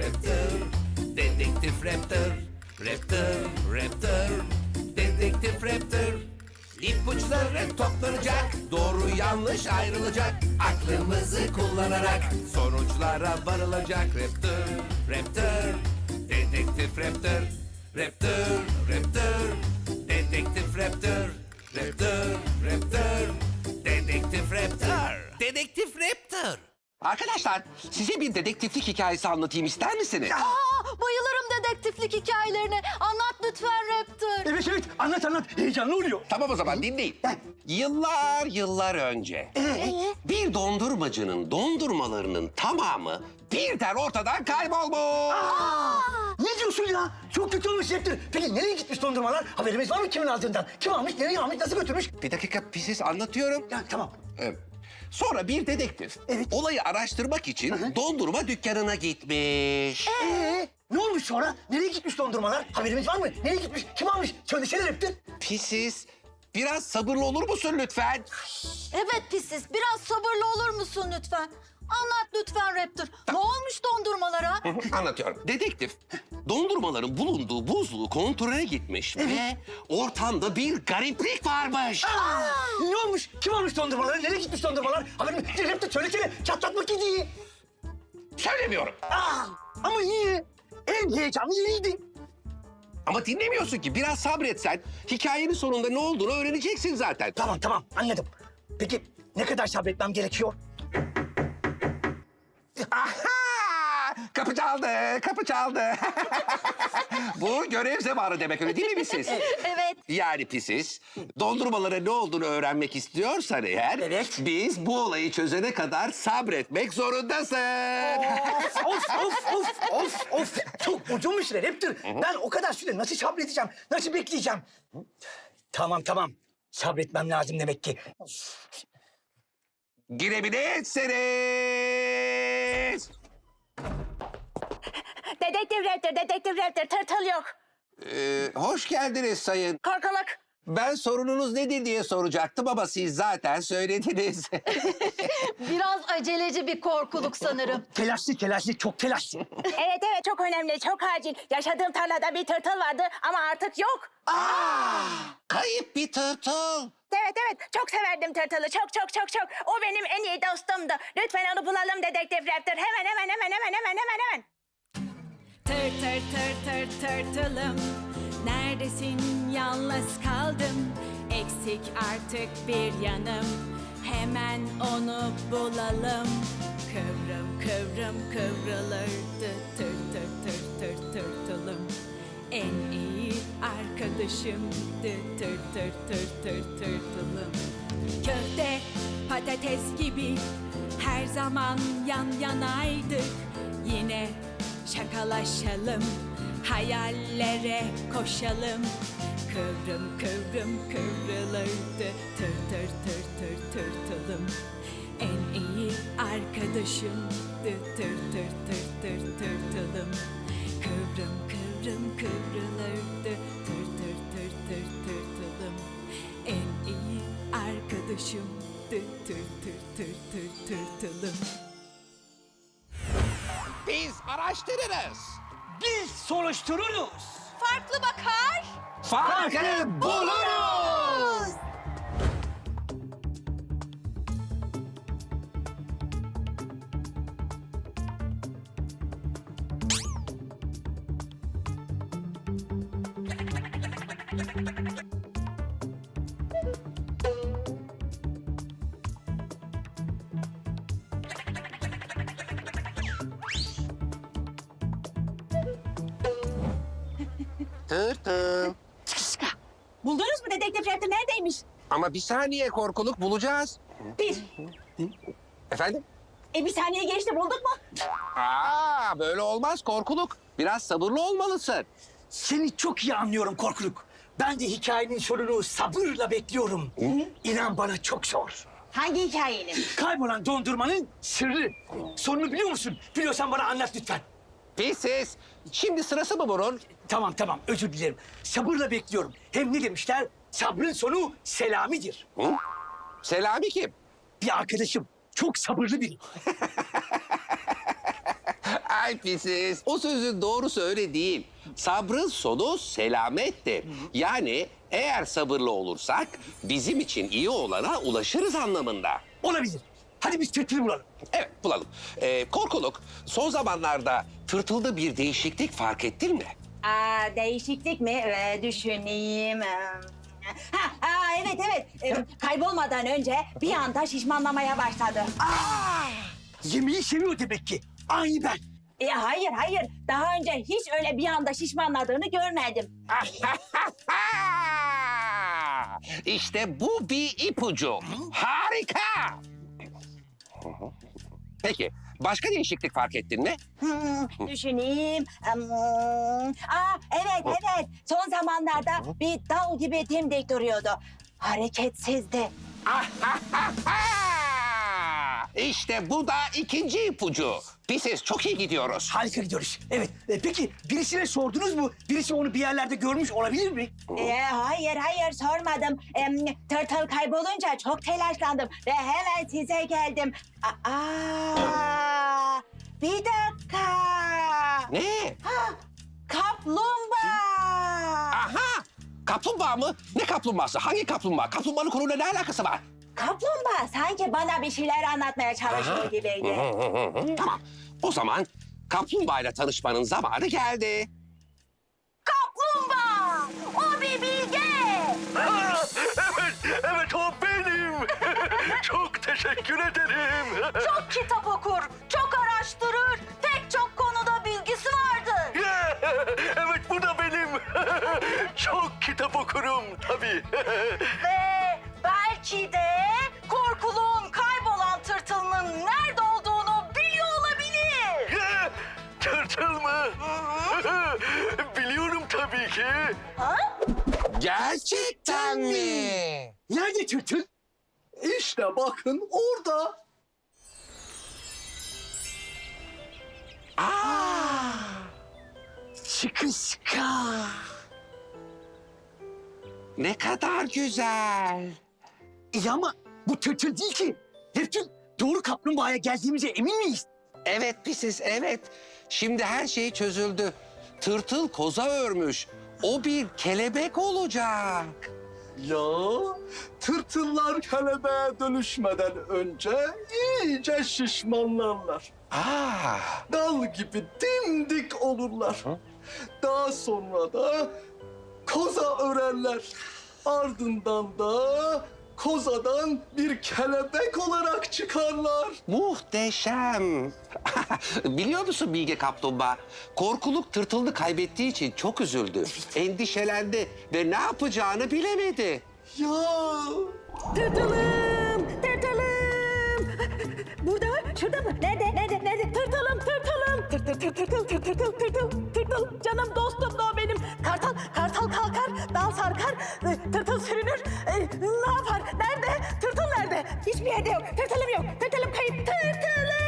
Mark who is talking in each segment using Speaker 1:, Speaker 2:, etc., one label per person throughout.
Speaker 1: Raptor, Dedektif Raptor, Raptor, Raptor, Dedektif Raptor. İpuçları toplanacak, doğru yanlış ayrılacak. Aklımızı kullanarak sonuçlara varılacak. Raptor, Raptor, Dedektif Raptor, Raptor, Raptor, Dedektif Raptor, Raptor, Raptor, Dedektif Raptor, Dedektif Raptor.
Speaker 2: Arkadaşlar, size bir dedektiflik hikayesi anlatayım ister misiniz?
Speaker 3: Bayılırım dedektiflik hikayelerine. Anlat lütfen Raptor.
Speaker 4: Evet evet anlat heyecanlı oluyor.
Speaker 2: Tamam o zaman dinleyin. Yıllar önce bir dondurmacının dondurmalarının tamamı birden ortadan kaybolmuş.
Speaker 4: Ne diyorsun ya? Çok kötü olmuş Raptor. Peki nereye gitmiş dondurmalar? Haberimiz var mı kimin aldığından? Kim almış, nereye almış, nasıl götürmüş?
Speaker 2: Bir dakika siz anlatıyorum.
Speaker 4: Ya tamam.
Speaker 2: Sonra bir dedektif olayı araştırmak için dondurma dükkanına gitmiş.
Speaker 4: Ne olmuş sonra? Nereye gitmiş dondurmalar? Haberimiz var mı? Nereye gitmiş? Kim almış? Söylesene Raptor.
Speaker 2: Pisiz, biraz sabırlı olur musun lütfen?
Speaker 3: Evet Pisis, biraz sabırlı olur musun lütfen? Anlat lütfen Raptor. Ne olmuş dondurmalara?
Speaker 2: Anlatıyorum. Dedektif dondurmaların bulunduğu buzluğu kontrole gitmiş ve ortamda bir gariplik varmış.
Speaker 4: Ne olmuş? Kim almış dondurmaları? Nereye gitmiş dondurmalar? Haberimiz... Raptor söylesene. Çatlatmak iyi.
Speaker 2: Söylemiyorum.
Speaker 4: Ama niye? En heyecanlı yeriydi.
Speaker 2: Ama dinlemiyorsun ki. Biraz sabretsen hikayenin sonunda ne olduğunu öğreneceksin zaten.
Speaker 4: Tamam anladım. Peki ne kadar sabretmem gerekiyor?
Speaker 2: Aha! Kapı çaldı. Bu görev zamanı demek öyle değil mi siz?
Speaker 3: Evet.
Speaker 2: Yani pisiz, dondurmalara ne olduğunu öğrenmek istiyorsan eğer...
Speaker 4: Evet.
Speaker 2: ...biz bu olayı çözene kadar sabretmek zorundasın.
Speaker 4: Of. Çok uzun bir süre Raptor. Ben o kadar süre nasıl sabredeceğim? Nasıl bekleyeceğim? Tamam. Sabretmem lazım demek ki.
Speaker 2: Girebilirsiniz.
Speaker 5: Dedektif Raptor, tırtıl yok.
Speaker 2: Hoş geldiniz sayın.
Speaker 5: Korkuluk.
Speaker 2: Ben sorununuz nedir diye soracaktım ama siz zaten söylediniz.
Speaker 3: Biraz aceleci bir korkuluk sanırım.
Speaker 4: Telaşlı, çok telaşlı.
Speaker 5: Evet, çok önemli, çok acil. Yaşadığım tarlada bir tırtıl vardı ama artık yok.
Speaker 2: Kayıp bir tırtıl.
Speaker 5: Evet, çok severdim tırtılı, çok. O benim en iyi dostumdu. Lütfen onu bulalım Dedektif Raptor. Hemen.
Speaker 6: Tırtılım, neredesin, yalnız kaldım. Eksik artık bir yanım, hemen onu bulalım. Kıvrım kıvrılırdı tırtılım. En iyi arkadaşımdı tırtılım. Köfte, patates gibi her zaman yan yanaydık. Yine şakalaşalım, hayallere koşalım. Kıvrım kıvrılırdı tırtılım. En iyi arkadaşımdı tırtılım. Kıvrım kıvrılırdı tırtılım. En iyi arkadaşımdı tırtılım.
Speaker 2: Biz araştırırız.
Speaker 4: Biz soruştururuz.
Speaker 3: Farklı bakar.
Speaker 2: Farkı buluruz. Tırtıl.
Speaker 5: Buldunuz mu Dedektif Raptor neredeymiş?
Speaker 2: Ama bir saniye korkuluk bulacağız.
Speaker 5: Bir.
Speaker 2: Efendim?
Speaker 5: Bir saniye geçti, bulduk mu?
Speaker 2: Böyle olmaz korkuluk. Biraz sabırlı olmalısın.
Speaker 4: Seni çok iyi anlıyorum Korkuluk. Ben de hikayenin sonunu sabırla bekliyorum. İnan bana çok zor.
Speaker 5: Hangi hikayenin?
Speaker 4: Kaybolan dondurmanın sırrı. Sonunu biliyor musun? Biliyorsan bana anlat lütfen.
Speaker 2: Pisiz. Şimdi sırası mı bunun?
Speaker 4: Tamam özür dilerim. Sabırla bekliyorum. Hem ne demişler? Sabrın sonu selamidir.
Speaker 2: Hı? Selami kim?
Speaker 4: Bir arkadaşım. Çok sabırlı biri.
Speaker 2: Ay pisiz. O sözün doğrusu öyle değil. Sabrın sonu selamettir. Yani eğer sabırlı olursak bizim için iyi olana ulaşırız anlamında.
Speaker 4: Olabilir. Hadi biz tırtılı bulalım.
Speaker 2: Evet bulalım. Korkuluk son zamanlarda tırtılda bir değişiklik fark ettin mi?
Speaker 5: Değişiklik mi? Düşüneyim. Evet. Kaybolmadan önce bir anda şişmanlamaya başladı.
Speaker 4: Yemeği seviyor demek ki. Aynı ben.
Speaker 5: Hayır. Daha önce hiç öyle bir anda şişmanladığını görmedim.
Speaker 2: İşte bu bir ipucu. Harika. Peki başka değişiklik fark ettin mi?
Speaker 5: Düşüneyim. Evet. Son zamanlarda bir dal gibi dimdik duruyordu. Hareketsizdi.
Speaker 2: İşte bu da ikinci ipucu. Pisiz çok iyi gidiyoruz.
Speaker 4: Harika gidiyoruz. Evet. Peki birisine sordunuz mu? Birisi onu bir yerlerde görmüş olabilir mi?
Speaker 5: Hayır sormadım. Tırtıl kaybolunca çok telaşlandım ve hemen size geldim. Bir dakika.
Speaker 2: Ne?
Speaker 5: Kaplumbağa.
Speaker 2: Aha! Kaplumbağa mı? Ne kaplumbağası? Hangi kaplumbağa? Kaplumbağanın konuyla ne alakası var?
Speaker 5: Kaplumbağa sanki bana bir şeyler anlatmaya çalışıyor gibiydi.
Speaker 2: Tamam. O zaman kaplumbağayla tanışmanın zamanı geldi.
Speaker 5: Kaplumbağa! O bir bilge!
Speaker 7: Evet o benim. Çok teşekkür ederim.
Speaker 3: Çok kitap okur, çok araştırır, pek çok konuda bilgisi vardır.
Speaker 7: Evet bu da benim. Çok kitap okurum tabii.
Speaker 3: Ve belki de korkuluğun kaybolan tırtılının nerede olduğunu biliyor olabilir.
Speaker 7: Tırtıl mı? Biliyorum tabii ki.
Speaker 2: Gerçekten mi?
Speaker 4: Nerede tırtıl?
Speaker 7: İşte bakın orada.
Speaker 4: Sıkı sıkı.
Speaker 2: Ne kadar güzel.
Speaker 4: İyi ama bu tırtıl değil ki. Neptün, doğru kaplumbağaya geldiğimize emin miyiz?
Speaker 2: Evet pisiz, evet. Şimdi her şey çözüldü. Tırtıl koza örmüş. O bir kelebek olacak.
Speaker 7: Ya tırtıllar kelebeğe dönüşmeden önce iyice şişmanlarlar. Dal gibi dimdik olurlar. Daha sonra da koza örerler. Ardından da kozadan bir kelebek olarak çıkarlar.
Speaker 2: Muhteşem. Biliyor musun Bilge Kaplumbağa? Korkuluk tırtılını kaybettiği için çok üzüldü. Endişelendi ve ne yapacağını bilemedi.
Speaker 7: Ya
Speaker 5: Tırtılım! Burada mı? Şurada mı? Nerede? Tırtılım! Tırtıl! Canım dostum da o benim. Kartal kalkar, dal sarkar, tırtıl sürünür. Ne yapar? Nerede? Tırtıl nerede? Hiçbir yerde yok. Tırtılım yok. Tırtılım kayıp. Tırtılım!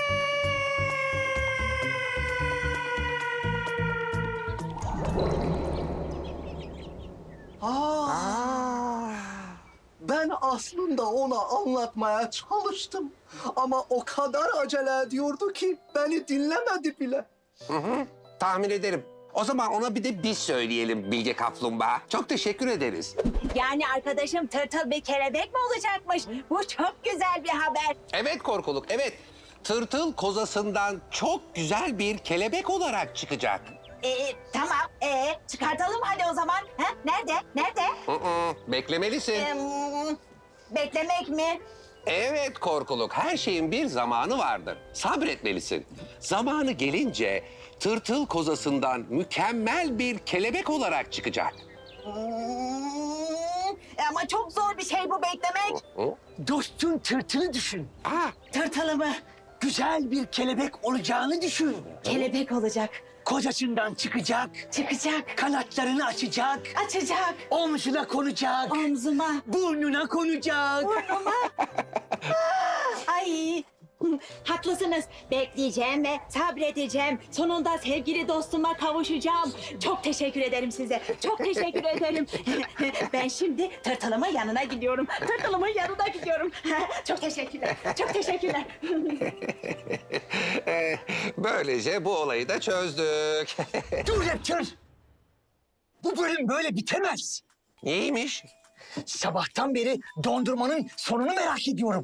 Speaker 7: ben aslında ona anlatmaya çalıştım. Ama o kadar acele ediyordu ki beni dinlemedi bile.
Speaker 2: Tahmin ederim. O zaman ona bir de biz söyleyelim Bilge Kaplumbağa. Çok teşekkür ederiz.
Speaker 5: Yani arkadaşım tırtıl bir kelebek mi olacakmış? Bu çok güzel bir haber.
Speaker 2: Evet Korkuluk, evet. Tırtıl kozasından çok güzel bir kelebek olarak çıkacak.
Speaker 5: Tamam. Çıkartalım hadi o zaman. Ha? Nerede?
Speaker 2: Beklemelisin.
Speaker 5: Beklemek mi?
Speaker 2: Evet Korkuluk, her şeyin bir zamanı vardır. Sabretmelisin. Zamanı gelince tırtıl kozasından mükemmel bir kelebek olarak çıkacak.
Speaker 5: Ama çok zor bir şey bu beklemek.
Speaker 4: Dostun tırtılı düşün.
Speaker 5: Tırtılı mı?
Speaker 4: Güzel bir kelebek olacağını düşün.
Speaker 5: Kelebek olacak.
Speaker 4: Kocasından çıkacak,
Speaker 5: Çıkacak.
Speaker 4: kanatlarını açacak,
Speaker 5: Açacak.
Speaker 4: omzuna konacak,
Speaker 5: Omzuma.
Speaker 4: burnuna konacak.
Speaker 5: Ay. Haklısınız. Bekleyeceğim ve sabredeceğim. Sonunda sevgili dostuma kavuşacağım. Çok teşekkür ederim size. Çok teşekkür ederim. Ben şimdi tırtılımın yanına gidiyorum. Çok teşekkürler. Çok teşekkürler.
Speaker 2: Böylece bu olayı da çözdük.
Speaker 4: Dur Raptor. Bu bölüm böyle bitemez.
Speaker 2: Neymiş?
Speaker 4: Sabahtan beri dondurmanın sonunu merak ediyorum.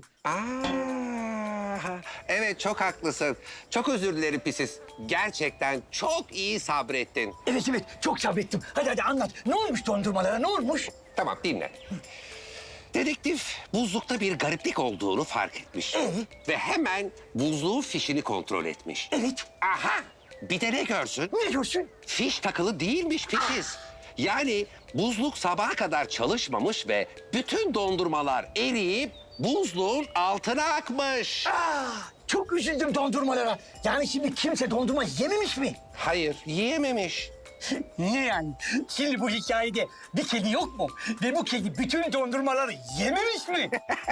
Speaker 2: Evet, çok haklısın. Çok özür dilerim Pisis. Gerçekten çok iyi sabrettin.
Speaker 4: Evet çok sabrettim. Hadi anlat. Ne olmuş dondurmalara, ne olmuş?
Speaker 2: Tamam, dinle. Dedektif buzlukta bir gariplik olduğunu fark etmiş. Ve hemen buzluğun fişini kontrol etmiş.
Speaker 4: Evet.
Speaker 2: Aha! Bir de ne görsün?
Speaker 4: Ne diyorsun?
Speaker 2: Fiş takılı değilmiş Pisis. Yani buzluk sabaha kadar çalışmamış ve bütün dondurmalar eriyip buzluğun altına akmış.
Speaker 4: Çok üzüldüm dondurmalara. Yani şimdi kimse dondurma yememiş mi?
Speaker 2: Hayır, yiyememiş.
Speaker 4: Niye yani? Şimdi bu hikayede bir kedi yok mu? Ve bu kedi bütün dondurmaları yememiş mi?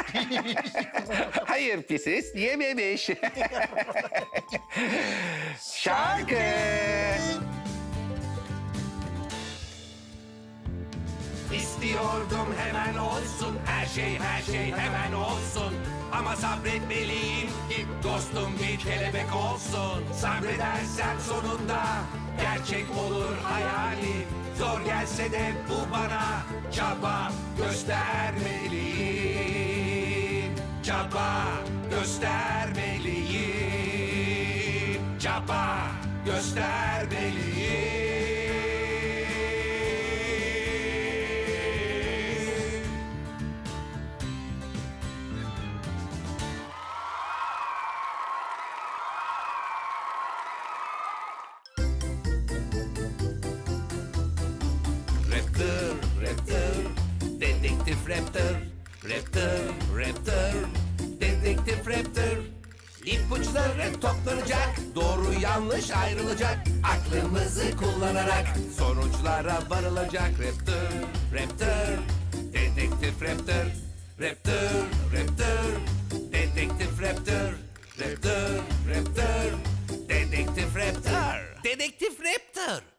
Speaker 2: Hayır Pisis, yememiş. Şarkı.
Speaker 1: İstiyordum hemen olsun, her şey hemen olsun. Ama sabretmeliyim ki dostum bir kelebek olsun. Sabredersem sonunda gerçek olur hayalim. Zor gelse de bu bana çaba göstermeliyim. Çaba göstermeliyim. Çaba göstermeliyim. Raptor, dedektif Raptor. Raptor, dedektif Raptor. İpuçları toplanacak, doğru yanlış ayrılacak. Aklımızı kullanarak sonuçlara varılacak. Raptor, dedektif Raptor. Raptor, dedektif Raptor. Raptor, dedektif Raptor. Dedektif Raptor.